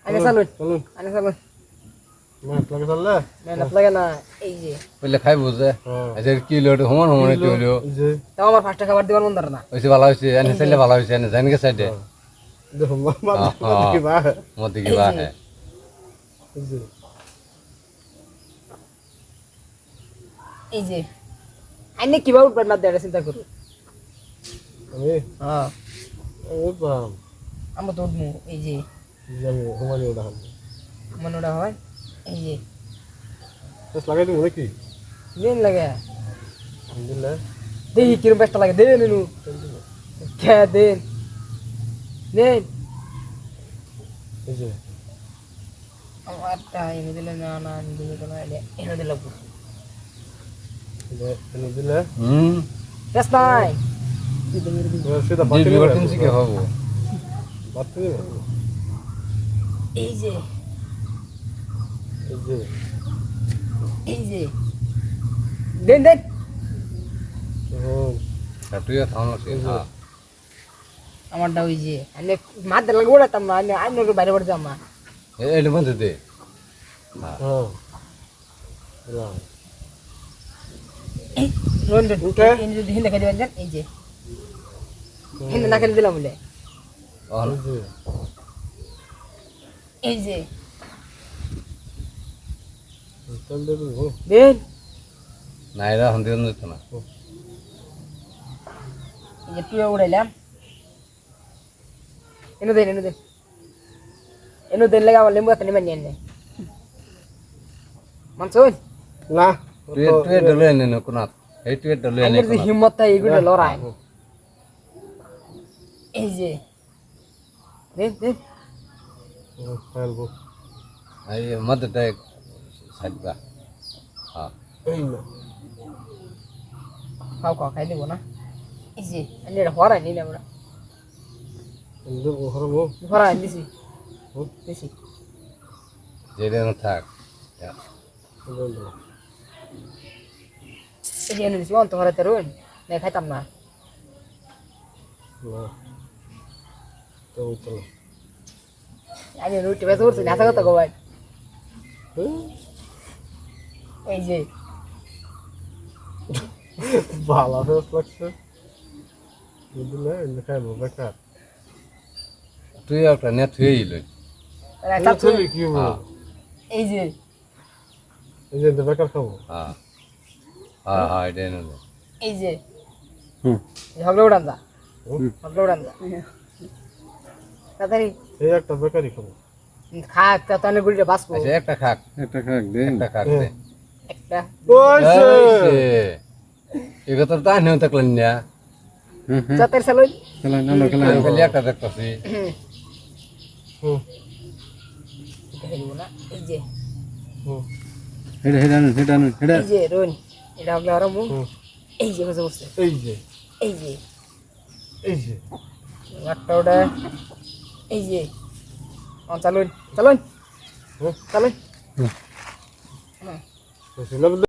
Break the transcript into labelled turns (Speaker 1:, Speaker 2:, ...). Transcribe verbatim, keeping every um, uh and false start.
Speaker 1: আগে চালুন
Speaker 2: চলুন
Speaker 1: আগে চালুন
Speaker 2: মাছ লাগে চললে
Speaker 1: মেহনত লাগে না এই যে
Speaker 3: বললে খাই বুঝে
Speaker 2: হ্যাঁ
Speaker 3: আচ্ছা কি হলো সমান সমান হইতে হলো
Speaker 2: এই যে
Speaker 1: তাও আমার ফার্স্টে খাবার দিবার মন ধরে না
Speaker 3: হয়েছে ভালো হয়েছে এনে চাইলে ভালো হয়েছে এনে জানি গে সাইডে
Speaker 2: দেখো মাছ
Speaker 3: হ্যাঁ।
Speaker 2: দেখি বা
Speaker 3: মধ্যে কি বা হ্যাঁ
Speaker 2: এই যে
Speaker 1: এই যে আইনে কিভাবে উঠবেন না দেড় চিন্তা করুন
Speaker 2: আমি
Speaker 1: হ্যাঁ
Speaker 2: ও বাম
Speaker 1: আমরা তো উঠবো এই যে
Speaker 2: আমি হুমানি ওটা
Speaker 1: মনে ওটা হয় এই যে
Speaker 2: বেশ লাগাই দিব নাকি
Speaker 1: দিন লাগে
Speaker 2: আলহামদুলিল্লাহ
Speaker 1: দেখি কিরম বেশটা লাগে দেন নু কে দেন দেন
Speaker 2: এই যে
Speaker 1: আমারটা এনে দিলে না না এনে দিলে তো না এনে এনে দিলে
Speaker 2: এটা এনে দিলে
Speaker 3: হুম
Speaker 1: বেশ নাই
Speaker 2: সেটা
Speaker 3: যে
Speaker 2: বাতি
Speaker 3: বিবার
Speaker 2: দিবে
Speaker 3: টিনছি কি হবো
Speaker 2: বাতি দিবে
Speaker 1: এই যে
Speaker 2: এই যে
Speaker 1: এই যে দেন দেন
Speaker 2: হুম
Speaker 3: তুইও থাম হ্যাঁ
Speaker 1: আমারটা ওই যে আমি মাছ লাগে ওড়াতাম না আমি আইন বাইরে বাইরে যাম না
Speaker 3: এই মধ্যে দে
Speaker 2: হ্যাঁ দিলাম
Speaker 1: রোন রোন
Speaker 2: উঠে।
Speaker 1: হিন্দু হিন্দু খেয়ে দিবেন এই যে হিন্দু না খেলে দিলাম বলে
Speaker 2: এই যে
Speaker 1: এই যে
Speaker 2: চল দে দিব
Speaker 1: দেন
Speaker 3: না এরা হন্দি যেত না
Speaker 1: এই যে টুয়ে উড়াইলাম এনে দেন এনে দেন এনে দেন লাগে আমার লেম্বু হাতে নেবেন নিয়ে মানসুন
Speaker 2: না
Speaker 3: তুই তুই ডলে এনে নে কোনা এই তুই ডলে এনে
Speaker 1: আমার যে হিম্মত থাকে এগুলো লড়াই এই যে দেন দেন
Speaker 2: ফেলবো
Speaker 3: এই মধ্যে দেখ সাইড বা হ্যাঁ
Speaker 2: এই না
Speaker 1: খাও খাও খাই দেবো না এই যে আমি এটা হরাই নিলে আমরা
Speaker 2: কিন্তু ওখানে
Speaker 1: হরাই দিছি দিছি
Speaker 3: যেটা থাক
Speaker 1: এই যে এনে দিছি অন্ত হরাইতে রুন না খাইতাম না
Speaker 2: না তো চলো
Speaker 1: আমি রুটি বেশ করছি না কথা কবাই এই যে
Speaker 2: ভালো ফেস লাগছে বুঝলে দেখাবো বেকার
Speaker 3: তুই একটা নেট হয়ে গেল
Speaker 1: রাখা
Speaker 2: চলি কি
Speaker 3: হ্যাঁ
Speaker 1: এই যে
Speaker 2: এই যে বেকার খাবো
Speaker 3: হ্যাঁ হ্যাঁ হ্যাঁ এটা এনে দে
Speaker 1: এই যে
Speaker 2: হুম
Speaker 1: ঝগড়া উড়ান যা ঝগড়া উড়ান যা তাড়াতাড়ি
Speaker 2: এই একটা বেকারি খাবো
Speaker 1: খা একটা তো অনেক গুলিটা বাঁচবো
Speaker 3: আচ্ছা একটা খাক
Speaker 2: একটা খাক দে
Speaker 3: একটা খাক দে
Speaker 1: একটা
Speaker 2: ওইছে
Speaker 3: এগুলো তো তা নেই থাকলেন না
Speaker 1: চাতের সালুন
Speaker 2: খেলা নালো খেলা
Speaker 3: আমি খালি একটা দেখতেছি
Speaker 2: হুম
Speaker 1: না এই যে
Speaker 2: হুম
Speaker 4: হেডা হেডা নুন হেডা নুন হেডা
Speaker 1: এই যে রোন এটা হলো আর মু
Speaker 2: হুম
Speaker 1: এই যে বসে বসে
Speaker 2: এই যে
Speaker 1: এই যে
Speaker 2: এই যে
Speaker 1: একটা ওটা এই যে অন চালুন চালুন
Speaker 2: হুম
Speaker 1: চালুন
Speaker 2: বুঝলাম